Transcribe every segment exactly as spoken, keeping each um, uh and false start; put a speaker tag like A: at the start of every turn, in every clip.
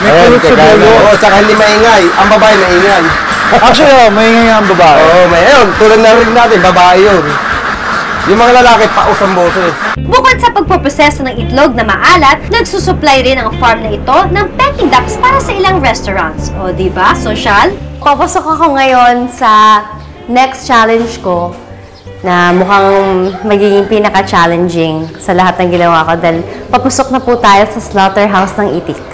A: May kulot sa dulo.
B: Oo, tsaka hindi maingay. Ang babae maingay.
A: Actually, oh, maingay nga ang babae.
B: Oo, may yun. Tulad na rin natin, babae yun. Yung mga lalaki, paus ang boses.
C: Bukod sa pagpoproseso ng itlog na maalat, nagsusupply rin ang farm na ito ng Peking ducks para sa ilang restaurants. O, di ba? Social?
D: Papasok ako ngayon sa next challenge ko na mukhang magiging pinaka-challenging sa lahat ng ginawa ko dahil papasok na po tayo sa slaughterhouse ng itik.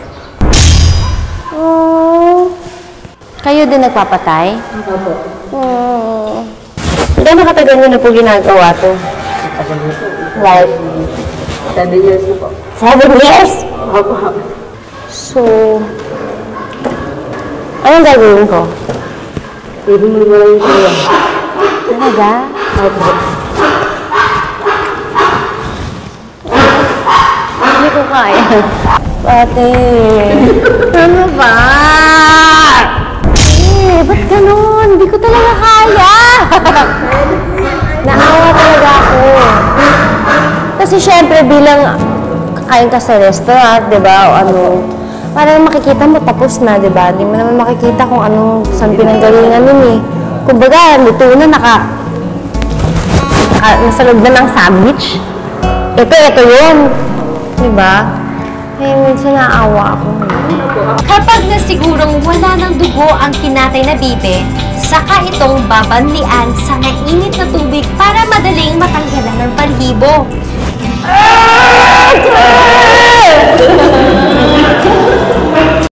D: Oh, kayo din nagpapatay? Opo. Oh. Gano'ng katagal nyo na po ginagawa to? Like? Seven years na po. Seven years? Opo. So, anong gagawin ko? Ibig mo lang ko yan. Talaga? Opo. Hindi ko kaya. Pati. Ano ba? Eh, ba't ganun? Hindi ko talaga kaya. Naawa talaga ako. Kasi syempre bilang kakain ka sa restaurant, di ba? O ano, parang makikita mo tapos na, di ba? Hindi mo naman makikita kung anong saan pinanggalingan nun eh. Kumbaga, luto na, naka, naka nasa loob na ng sandwich. Ito, ito yun. Di ba? Eh, minsan naawa ako.
C: Kapag nasigurong wala ng dugo ang kinatay na bibe, saka itong babanlian sa mainit na tubig para madaling matanggalan ng balahibo.